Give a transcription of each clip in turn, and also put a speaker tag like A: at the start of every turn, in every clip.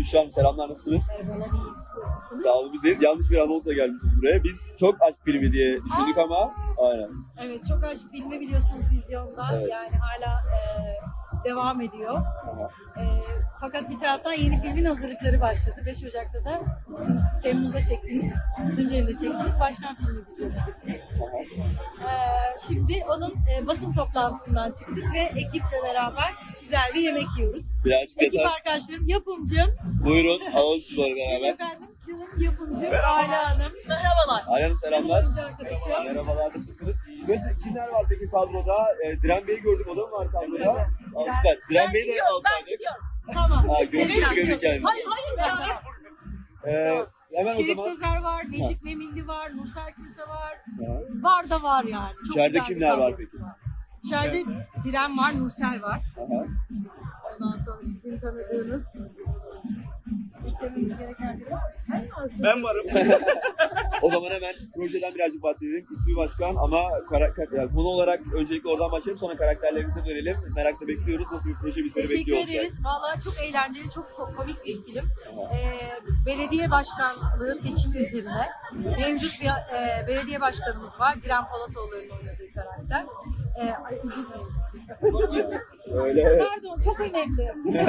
A: Büşra Hanım selamlar, nasılsınız?
B: Merhabalar, iyi siz nasılsınız?
A: Sağ olun, biz yanlış bir anonsla gelmişiz buraya. Biz çok aşk filmi diye düşündük ama aynen.
B: Evet, çok aşk filmi biliyorsunuz vizyonda.
A: Evet.
B: Yani hala devam ediyor.
A: Aha.
B: Fakat bir taraftan yeni filmin hazırlıkları başladı. 5 Ocak'ta da bizim Temmuz'da çektiğimiz, Tunceli'de çektiğimiz Başkan filmi vizyona girecek. Şimdi onun basın toplantısından çıktık ve ekiple beraber güzel bir yemek yiyoruz.
A: Birazcık
B: Ekip
A: yeter.
B: arkadaşlarım, yapımcım,
A: Buyurun, alalım sizi böyle beraber.
B: efendim, canım yapımcım Ayla Hanım. Merhabalar.
A: Ayhan Hanım selamlar.
B: Canım arkadaşım.
A: Merhabalar, nasılsınız? Nasıl, kimler var peki kadroda? Diren Bey'i gördüm, o da mı var kadroda?
B: Evet.
A: Aa, süper. Diren Bey'i de alsaydık.
B: Tamam.
A: Ha, görüşürüz kendisi.
B: Hayır ben
A: Hemen
B: Şerif
A: o zaman.
B: Sezer var, Necip Memilli var, Nursel Köse var.
A: Ha.
B: Var da var yani. Çok
A: İçeride
B: güzel bir
A: kimler var
B: kadromuz
A: peki?
B: İçeride Diren var, Nursel var.
A: Aha.
B: Ondan sonra sizin tanıdığınız eklememiz gereken biri var mı? Sen varsın.
C: Ben varım.
A: O zaman hemen projeden birazcık bahsedelim. İsmi Başkan ama yani konu olarak öncelikle oradan başlayalım, sonra karakterlerimize dönelim. Merakla bekliyoruz. Nasıl bir proje bizleri
B: Teşekkür
A: bekliyor olacak?
B: ederiz. Valla çok eğlenceli, çok komik bir film. Belediye başkanlığı seçimi üzerine mevcut bir belediye başkanımız var. Diren Polatoğlu'nun oynadığı karakter. Ay özür dilerim.
A: Öyle.
B: Pardon, çok önemli.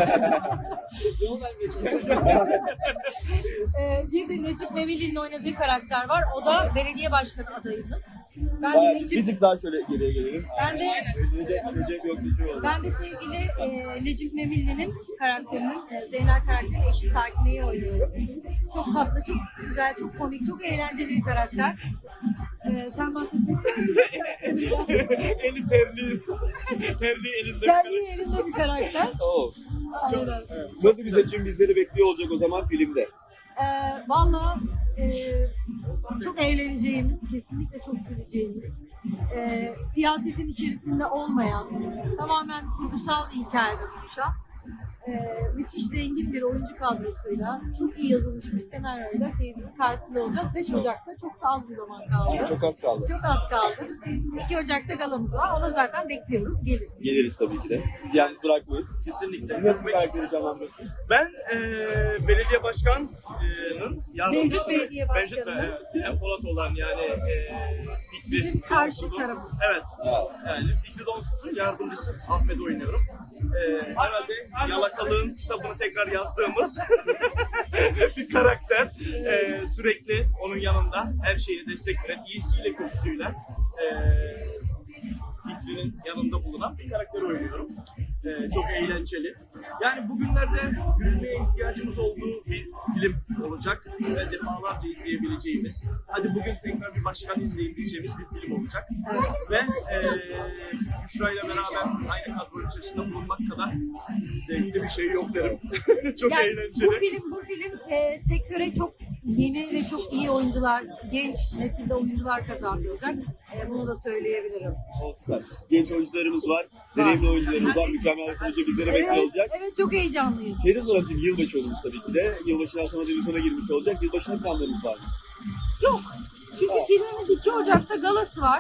B: Bir de Necip Memilli'nin oynadığı karakter var. O da belediye başkanı adayımız. Ben de
A: Bayağı bir
B: Necip,
A: tık daha şöyle geriye gelelim. Recep yok bir şey oldu.
B: ben de sevgili Necip Memilli'nin karakterinin, Zeynel karakterinin eşi Sakine'yi oynuyorum. Çok tatlı, çok güzel, çok komik, çok eğlenceli bir karakter. Sen bahsetmek ister misin?
C: Eli terli. Terli elinde.
B: Kendi elinde bir karakter.
A: Oo.
B: Aynen.
A: Nasıl bir seçim bizleri bekliyor olacak o zaman filmde?
B: Valla çok eğleneceğimiz, kesinlikle çok güleceğimiz, siyasetin içerisinde olmayan, tamamen kurgusal bir hikayeden oluşan, müthiş zengin bir oyuncu kadrosuyla, çok iyi yazılmış bir senaryoyla seyircinin karşısında olacağız. 5 Ocak'ta çok da az bir zaman kaldı.
A: Çok az kaldı.
B: Çok az kaldı. 2 Ocak'ta galamız var. Ona zaten bekliyoruz. Geliriz.
A: Geliriz tabii ki de. Siz yalnız bırakmayız.
C: Kesinlikle.
A: Nasıl bir karakteri canlandırıyorsunuz?
C: Ben belediye başkanının yardımcısı.
B: Mevcut belediye başkanı.
C: En Polat olan yani Fikri.
B: Bizim karşı
C: Donsuz'un-
B: tarafımız.
C: Evet. Yani Fikri Donsuz'un yardımcısı Ahmet oynuyorum. Herhalde Yalakalığın kitabını tekrar yazdığımız bir karakter. Sürekli onun yanında her şeyine destek veren, iyisiyle kötüsüyle Fikri'nin yanında bulunan bir karakter oynuyorum. Çok eğlenceli. Yani bugünlerde gülmeye ihtiyacımız olduğu bir film olacak ve defalarca izleyebileceğimiz, hadi bugün tekrar bir başkan izleyin diyeceğimiz bir film olacak. Ve Büşra ile beraber aynı kadro içerisinde bulunmak kadar zevkli bir şey yok derim. Çok
B: Yani
C: eğlenceli.
B: Bu film sektöre çok yeni ve çok iyi oyuncular, genç nesilde oyuncular kazandıracak. Bunu da söyleyebilirim.
A: O süper. Genç oyuncularımız var, deneyimli oyuncularımız var. Mükemmel bir proje bizleri bekliyor olacak.
B: Evet, çok heyecanlıyız.
A: Senin Nurhan'cığım yılbaşı olmuş tabii ki de. Yılbaşından sonra vizyona girmiş olacak. Yılbaşının planlarınız var mı?
B: Yok. Çünkü filmimiz 2 Ocak'ta galası var.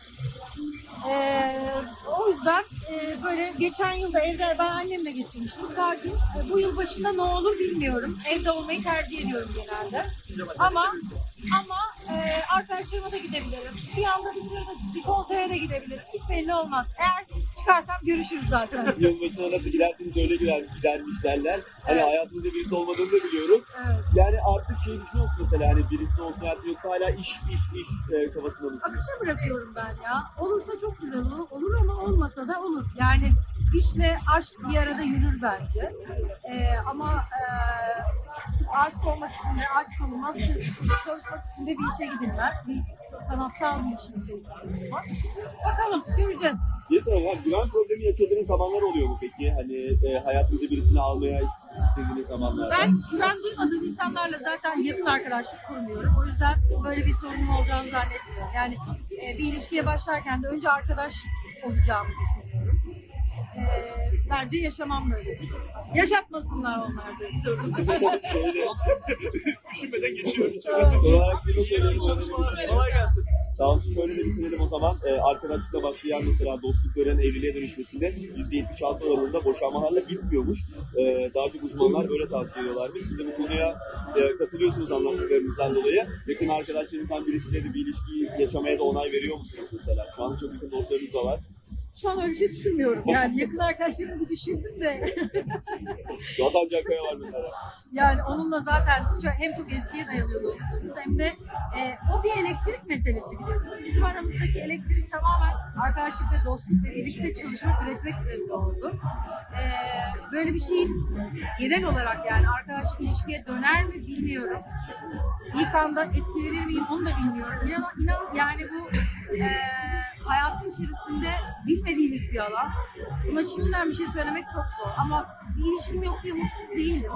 B: O yüzden böyle geçen yılda evde ben annemle geçirmiştim. Sakin. Bu yıl başında ne olur bilmiyorum. Evde olmayı tercih ediyorum genelde. Ama arkadaşlarıma da gidebilirim. Bir anda dışarıda bir konsere de gidebilirim. Hiç belli olmaz. Eğer çıkarsam görüşürüz zaten.
A: Yılbaşına nasıl gidersiniz öyle gidermiş derler. Hani
B: Evet.
A: hayatınızda birisi olmadığını da biliyorum.
B: Evet.
A: Yani artık şey düşünüyor musun mesela, hani birisi olsun hayatı, yoksa hala iş kafasında mısınız?
B: Akışa bırakıyorum ben ya. Olursa çok güzel olur ama olmasa da olur. Yani işle aşk bir arada yürür bence. Ama sırf aşk olmak için de aşk olmaz. Sırf çalışmak için de bir işe gidilmez. Bir sanatsal bir işin içerisinde var. Bakalım, göreceğiz.
A: Bir soralım, güven problemi yaşadığınız zamanlar oluyor mu peki? Hani hayatınıza birisini almaya istediğiniz zamanlar.
B: Ben güven duymadığım insanlarla zaten yakın arkadaşlık kurmuyorum. O yüzden böyle bir sorunum olacağını zannetmiyorum. Yani bir ilişkiye başlarken de önce arkadaş olacağımı düşünüyorum. Bence yaşamam böyle bir sorun. Yaşatmasınlar onlar da bir sorun.
C: Düşünmeden geçiyorum.
A: Olarak bir
C: İyi çalışmalar. Kolay gelsin.
A: Sağ olsun, şöyle de bitirelim o zaman. Arkadaşlıkla başlayan mesela dostlukların evliliğe dönüşmesinde %76 oranında boşanmalarla bitmiyormuş. Daha çok uzmanlar böyle tavsiye ediyorlarmış. Siz de bu konuya katılıyorsunuz anlattıklarınızdan dolayı. Yakın arkadaşlarınızdan birisiyle de bir ilişki yaşamaya da onay veriyor musunuz mesela? Şu an çok yakın dostlarınız da var.
B: Şu an öyle bir şey düşünmüyorum. Yani yakın arkadaşlarımı bir düşündüm de.
A: Vatan Cankaya var mesela.
B: Yani onunla zaten hem çok eskiye dayanıyor dostluğumuz hem de o bir elektrik meselesi biliyorsunuz. Bizim aramızdaki elektrik tamamen arkadaşlık ve dostluk ve birlikte çalışmak, üretmek üzerinde oldu. Böyle bir şey genel olarak yani arkadaşlık ilişkiye döner mi bilmiyorum. İlk anda etkilenir miyim onu da bilmiyorum. İnan yani bu hayatın içerisinde bilmediğimiz bir alan. Buna şimdiden bir şey söylemek çok zor. Ama bir ilişkim yok diye mutsuz değilim.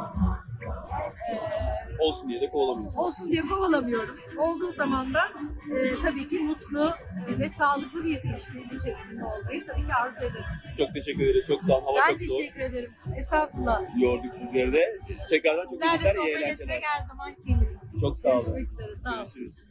A: Olsun diye de kovalamıyorsunuz.
B: Olsun diye kovalamıyorum. Olduğu zaman da tabii ki mutlu ve sağlıklı bir ilişkinin içerisinde olmayı tabii ki arzu ederim.
A: Çok teşekkür ederiz. Çok sağ olun. Hava
B: Ben
A: çok soğuk.
B: teşekkür ederim. Estağfurullah.
A: Yorduk sizleri de. Tekrardan çok
B: Sizlerle
A: teşekkürler. İyi
B: sohbet
A: eğlenceler.
B: etmek her zaman keyif.
A: Çok sağ olun.
B: Görüşmek üzere. Sağ olun.
A: Görüşürüz.